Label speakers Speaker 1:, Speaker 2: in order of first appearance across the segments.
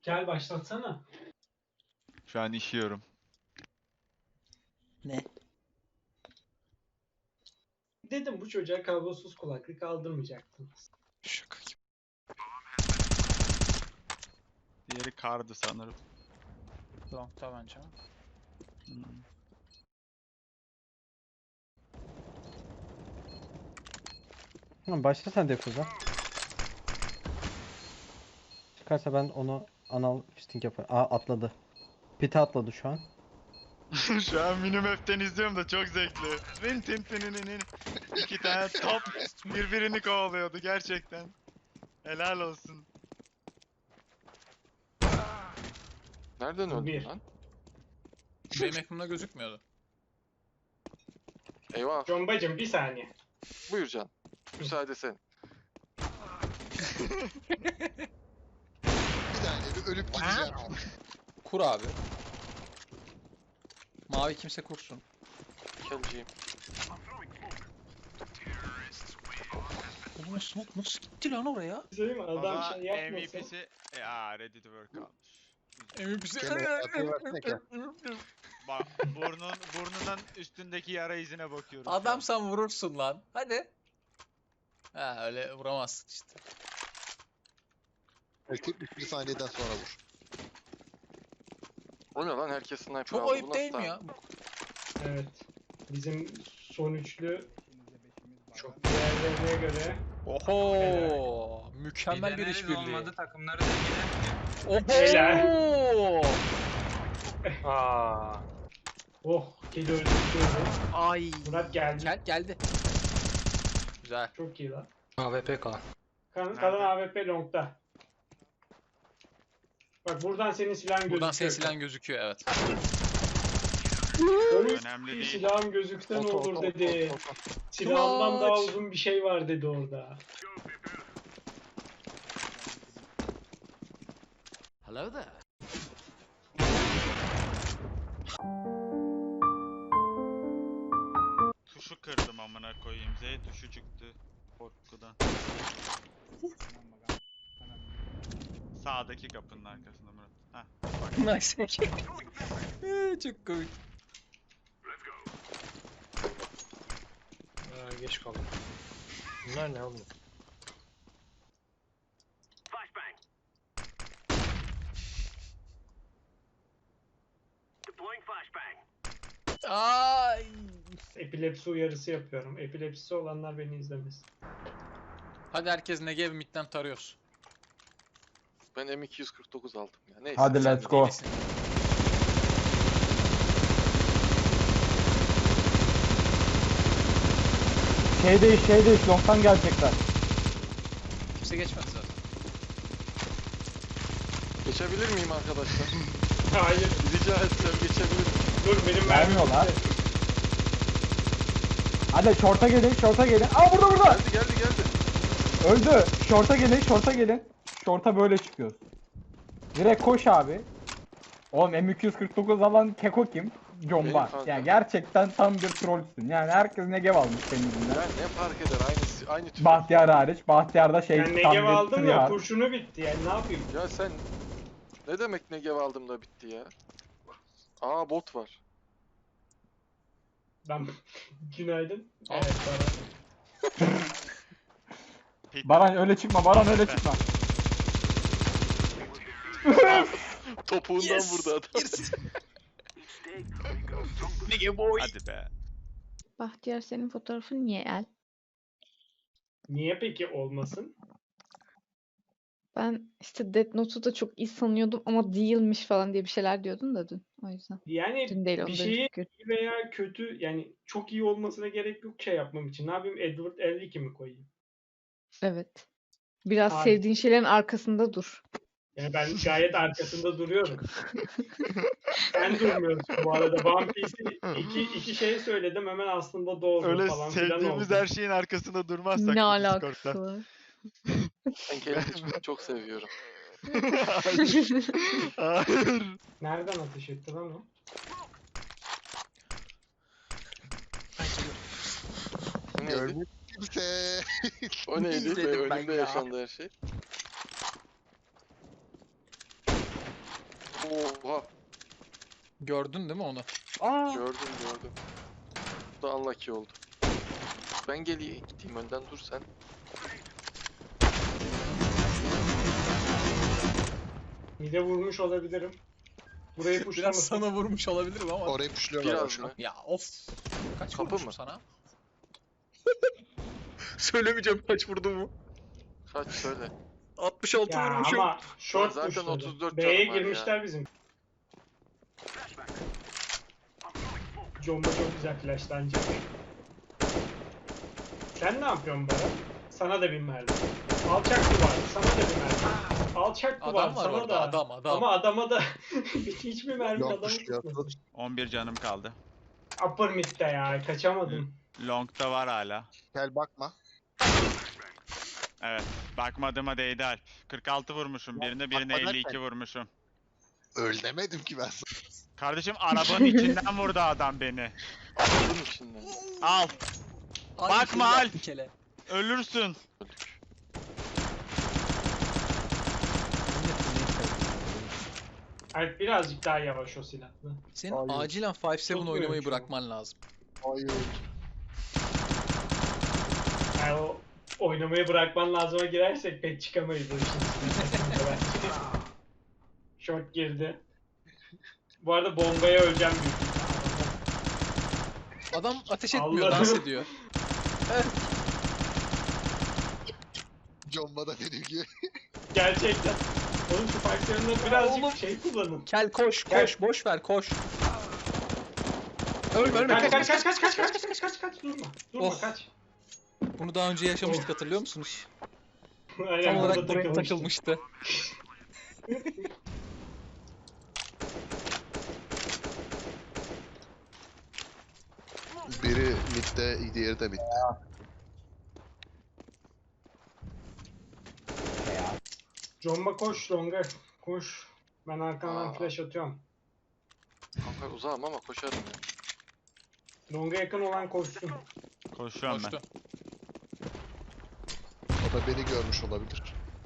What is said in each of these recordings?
Speaker 1: Gel başlatsana.
Speaker 2: Şu an işiyorum.
Speaker 3: Ne?
Speaker 1: Dedim bu çocuğa kablosuz kulaklık aldırmayacaktınız.
Speaker 3: Şaka gibi.
Speaker 2: Diğeri kardı sanırım.
Speaker 3: Long'ta bence.
Speaker 4: Tamam başla sen defuza. Çıkarsa ben onu anal fisting yaparım. Aa atladı. Pite atladı şu an.
Speaker 2: Şu an Minimap'ten izliyorum da çok zevkli. Rin tin tininin. İki tane top birbirini kovalıyordu gerçekten. Helal olsun.
Speaker 5: Nereden
Speaker 1: Bir.
Speaker 5: öldün lan?
Speaker 3: Benim ekranımda gözükmüyordu.
Speaker 5: Eyvah.
Speaker 1: Combacım bir saniye.
Speaker 5: Buyur Can. Müsaade sen.
Speaker 6: Bir saniye bir ölüp gideceğim.
Speaker 3: Kur abi. Mavi kimse kursun.
Speaker 5: Kelciyim.
Speaker 3: Oğlum smoke nasıl gitti lan oraya?
Speaker 1: Söyleyeyim mi? Adam
Speaker 2: Ama
Speaker 1: şey yapmasın.
Speaker 2: MVP'si ready to work almış.
Speaker 6: Kemal, atayı versene Kemal.
Speaker 2: Bak burnunun üstündeki yara izine bakıyorum.
Speaker 3: Adam sen vurursun lan. Hadi. Ha öyle vuramazsın işte.
Speaker 6: Belki bir saniyeden sonra vur.
Speaker 5: O ne lan? Herkes sniper
Speaker 3: Çok
Speaker 5: aldı. Bu
Speaker 3: ayıp
Speaker 5: nasıl
Speaker 3: değil mi
Speaker 5: daha-
Speaker 3: ya?
Speaker 1: Evet. Bizim son üçlü çok diğerlerine göre
Speaker 3: Oho! Mükemmel bir işbirliği.
Speaker 7: olmadı takımları da yine.
Speaker 3: Oho!
Speaker 1: oh kedi öldürdü.
Speaker 3: Ay.
Speaker 1: Murat geldi.
Speaker 3: Geldi. Güzel.
Speaker 1: Çok iyi lan.
Speaker 7: AWP kalan.
Speaker 1: Kalan AWP long'da. Bak buradan senin silahın gözüküyor.
Speaker 3: Buradan senin silahın gözüküyor evet.
Speaker 1: Oy,
Speaker 2: Önemli değil.
Speaker 1: silahım gözükse ne
Speaker 6: Oto,
Speaker 1: olur
Speaker 6: oto,
Speaker 1: dedi.
Speaker 6: oto, oto.
Speaker 1: Silahımdan daha
Speaker 3: Clutch.
Speaker 1: uzun bir şey var dedi orada.
Speaker 3: Hello there.
Speaker 2: Tuşu kırdım amına koyayım. Z tuşu çıktı. Korkudan. Sağdaki kapının arkasında Murat. Heh.
Speaker 3: Nice. Çok komik.
Speaker 7: Geç kaldım. Bunlar ne oğlum?
Speaker 3: Ay.
Speaker 1: Epilepsi uyarısı yapıyorum. Epilepsisi olanlar beni izlemesin.
Speaker 3: Hadi herkes Negev midden tarıyoruz.
Speaker 5: Ben M249 aldım ya. Neyse.
Speaker 4: Hadi
Speaker 5: sen
Speaker 4: let's go.
Speaker 3: Delisin.
Speaker 4: Şey değiş long'tan gelecekler.
Speaker 3: Kimse geçmedi zaten.
Speaker 5: Geçebilir miyim arkadaşlar?
Speaker 1: Hayır.
Speaker 5: Rica etsem geçebilir miyim?
Speaker 1: Dur benim
Speaker 4: Vermiyorlar.
Speaker 1: bitti.
Speaker 4: Hadi short'a gelin. Aa burada.
Speaker 5: Geldi.
Speaker 4: Öldü. Short'a gelin. Short'a böyle çıkıyoruz. Direkt koş abi. Oğlum M249 alan Keko kim?
Speaker 5: Benim
Speaker 4: Comba.
Speaker 5: kanka.
Speaker 4: Yani gerçekten tam bir trollsün. Yani herkes Negev almış senin yüzünden.
Speaker 5: Ya ne fark eder? Aynı tür.
Speaker 4: Bahtiyar hariç. Bahtiyar'da şey
Speaker 1: Ben
Speaker 4: tam
Speaker 1: Negev
Speaker 4: bir
Speaker 1: aldım da
Speaker 4: tryhard.
Speaker 1: kurşunu bitti yani ne yapayım?
Speaker 5: Ya sen ne demek Negev aldım da bitti ya? Aa bot var.
Speaker 1: Ben günaydın. Evet bana.
Speaker 4: Baran öyle çıkma.
Speaker 5: Topuğundan vurdu adam.
Speaker 3: Negev boy.
Speaker 2: Hadi be.
Speaker 8: Bahtiyar senin fotoğrafın niye el?
Speaker 1: Niye peki olmasın?
Speaker 8: Ben işte Death Note'u da çok iyi sanıyordum ama değilmiş falan diye bir şeyler diyordun da dün. O yüzden.
Speaker 1: Yani
Speaker 8: Dün değil
Speaker 1: bir
Speaker 8: ondan
Speaker 1: şeyi
Speaker 8: önceki gün.
Speaker 1: iyi veya kötü yani çok iyi olmasına gerek yok şey yapmam için. Ne yapayım Edward 52 mi koyayım?
Speaker 8: Evet. Biraz
Speaker 1: Abi.
Speaker 8: sevdiğin şeylerin arkasında dur.
Speaker 1: Yani ben gayet arkasında duruyorum. Sen durmuyorsun bu arada. One Piece'in iki şey söyledim hemen aslında doğru
Speaker 2: Öyle
Speaker 1: falan filan
Speaker 2: sevdiğimiz
Speaker 1: oldu.
Speaker 2: her şeyin arkasında durmazsak
Speaker 8: Ne
Speaker 2: bu
Speaker 8: alakası
Speaker 2: Discord'da.
Speaker 8: var?
Speaker 5: Ben kendimi çok seviyorum.
Speaker 2: Hayır.
Speaker 1: Nereden ateş etti lan o?
Speaker 5: O neydi?
Speaker 6: Görmüş kimse.
Speaker 5: O neydi?
Speaker 3: İzledim ben
Speaker 5: Önümde
Speaker 3: ya.
Speaker 5: yaşandı her şey. Oha.
Speaker 3: Gördün değil mi onu?
Speaker 5: Gördüm. Bu da unlucky oldu. Ben gideyim önden, dur sen.
Speaker 1: Mide vurmuş olabilirim. Burayı
Speaker 3: Biraz
Speaker 1: puşlamasın.
Speaker 3: sana vurmuş olabilirim ama.
Speaker 6: Orayı puşluyorlar
Speaker 5: Biraz
Speaker 6: boşuna.
Speaker 5: mı?
Speaker 3: Ya of. Kaç
Speaker 5: Kapı
Speaker 3: vurmuşum
Speaker 5: mı?
Speaker 3: sana?
Speaker 7: Söylemeyeceğim kaç vurduğumu.
Speaker 5: Kaç söyle.
Speaker 7: 66
Speaker 1: Ya
Speaker 7: vurmuşum.
Speaker 1: ama short
Speaker 5: Zaten
Speaker 1: puşladı.
Speaker 5: 34
Speaker 1: B'ye
Speaker 5: canım var ya.
Speaker 1: girmişler bizim. Jomba çok güzel flashlanacak. Sen ne yapıyorsun Baran? Sana da bir mermi. Alçak duvar, sana da bir mermi. Alçak duvar,
Speaker 3: Adam var
Speaker 1: sana
Speaker 3: orada,
Speaker 1: da.
Speaker 3: adam.
Speaker 1: Ama adama da hiçbir mermi
Speaker 6: Long
Speaker 1: adamı
Speaker 6: puşluyor.
Speaker 1: tutmadı.
Speaker 2: 11 canım kaldı.
Speaker 1: Upper mid'de ya, kaçamadım.
Speaker 2: Long'da var hala.
Speaker 6: Gel bakma.
Speaker 2: Evet. Bakmadığıma değdi Alp. 46 vurmuşum birine
Speaker 6: bakma
Speaker 2: 52
Speaker 6: derken-
Speaker 2: vurmuşum.
Speaker 6: Öl demedim ki ben sana.
Speaker 2: Kardeşim arabanın içinden vurdu adam beni.
Speaker 5: Bunun içinden.
Speaker 2: Al.
Speaker 3: Ay,
Speaker 2: Bakma
Speaker 3: şey
Speaker 2: Alp.
Speaker 3: yaptı kele.
Speaker 2: Ölürsün.
Speaker 1: Alp birazcık daha yavaş o silahla.
Speaker 3: Senin
Speaker 6: Hayır.
Speaker 3: acilen 5-7
Speaker 1: Çok
Speaker 3: oynamayı
Speaker 1: büyük şu an.
Speaker 3: bırakman lazım.
Speaker 6: Hayır.
Speaker 1: Yani o oynamayı bırakman lazıma girersek pek çıkamayız o işin içinden. Short girdi. Bu arada bombaya öleceğim büyük ihtimalle.
Speaker 3: Adam ateş etmiyor,
Speaker 1: Allah'ım.
Speaker 3: dans ediyor.
Speaker 6: Comba da benim gibi.
Speaker 1: Gerçekten. Oğlum şu fightlarında birazcık
Speaker 3: Oğlum.
Speaker 1: şey kullanın.
Speaker 3: Kel koş,
Speaker 1: Gel.
Speaker 3: koş, boş ver, koş. Ölme, ölme,
Speaker 1: Kaç
Speaker 3: kaç,
Speaker 1: kaç
Speaker 3: kaç.
Speaker 1: kaç kaç kaç kaç kaç kaç kaç durma. Durma
Speaker 3: Oh.
Speaker 1: kaç.
Speaker 3: Bunu daha önce yaşamıştık, hatırlıyor musunuz?
Speaker 1: Aynen
Speaker 3: Tam olarak
Speaker 1: burada
Speaker 3: buraya
Speaker 1: takılmıştı.
Speaker 3: takılmıştı.
Speaker 6: Biri midde, diğeri de midde.
Speaker 1: Jomba koş longa. Koş. Ben arkandan
Speaker 5: Aa.
Speaker 1: flash atıyorum.
Speaker 5: Kanka uzağım ama koşarım ya.
Speaker 1: Longa yakın olan koşsun.
Speaker 2: Koşuyorum ben.
Speaker 3: Koştu.
Speaker 6: O da beni görmüş olabilir.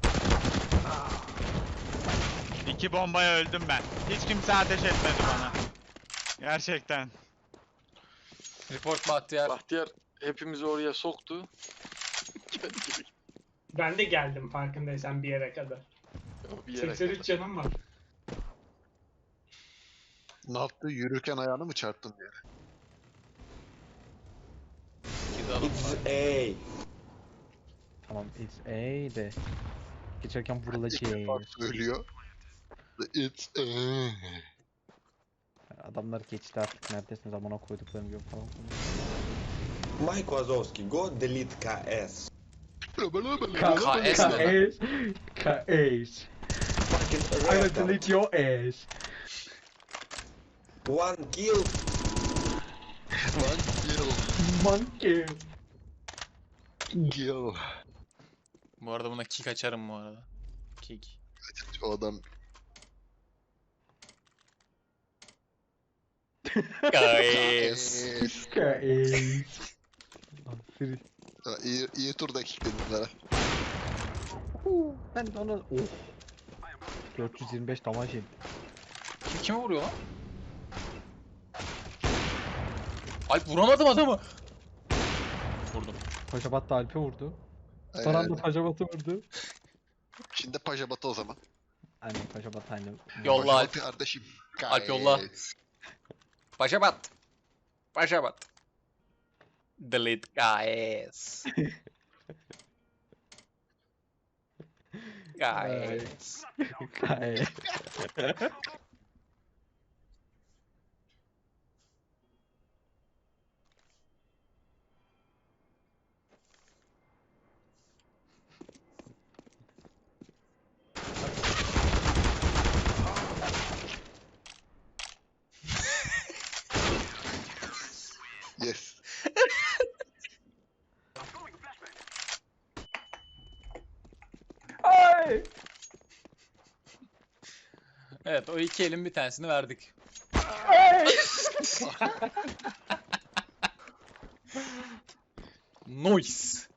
Speaker 2: 2 bombaya öldüm ben. Hiç kimse ateş etmedi bana. Gerçekten.
Speaker 3: Report Bahtiyar.
Speaker 5: Bahtiyar hepimizi oraya soktu. Kendi gibi.
Speaker 1: Ben de geldim farkındaysan bir yere kadar.
Speaker 5: Bir yere
Speaker 1: 83 canım var.
Speaker 6: Ne yaptı? Yürürken ayağını mı çarptın diye.
Speaker 3: İki de adam var.
Speaker 4: Tamam it's A de. Geçerken
Speaker 6: İlk
Speaker 4: vurulacak.
Speaker 6: defa söylüyor. It's
Speaker 4: Adamlar geçti artık neredesin zamana koyduklarını yok falan.
Speaker 9: Mike Wazowski, go delete KS.
Speaker 3: KS ne lan?
Speaker 4: KS.
Speaker 9: Fucking
Speaker 4: I will
Speaker 9: retard.
Speaker 4: delete your ass.
Speaker 9: One kill.
Speaker 6: Lan
Speaker 4: Monkey.
Speaker 6: kill.
Speaker 3: Bu arada buna kick açarım bu arada. Kick.
Speaker 6: O adam
Speaker 3: Guys.
Speaker 4: KS. Aferin.
Speaker 6: iyi turda kilitledim bunlara.
Speaker 4: Ben de ona... Of. 425 damaj yedim.
Speaker 3: Kime vuruyor lan? Alp vuramadım adamı. Vurdum.
Speaker 4: Paşabat da Alp'e vurdu. Son anda Paşabat'ı vurdu.
Speaker 6: Şimdi pajabatı o zaman.
Speaker 4: Aynen Paşabat aynı.
Speaker 3: Yolla
Speaker 6: Pajabat
Speaker 3: Alp.
Speaker 6: kardeşim.
Speaker 3: Alp yolla.
Speaker 6: Guys.
Speaker 3: Paşabat. Paşabat. Delete guys. Guys.
Speaker 4: KS.
Speaker 6: Yes.
Speaker 4: Ay!
Speaker 3: Evet, o iki elin bir tanesini verdik. Noise.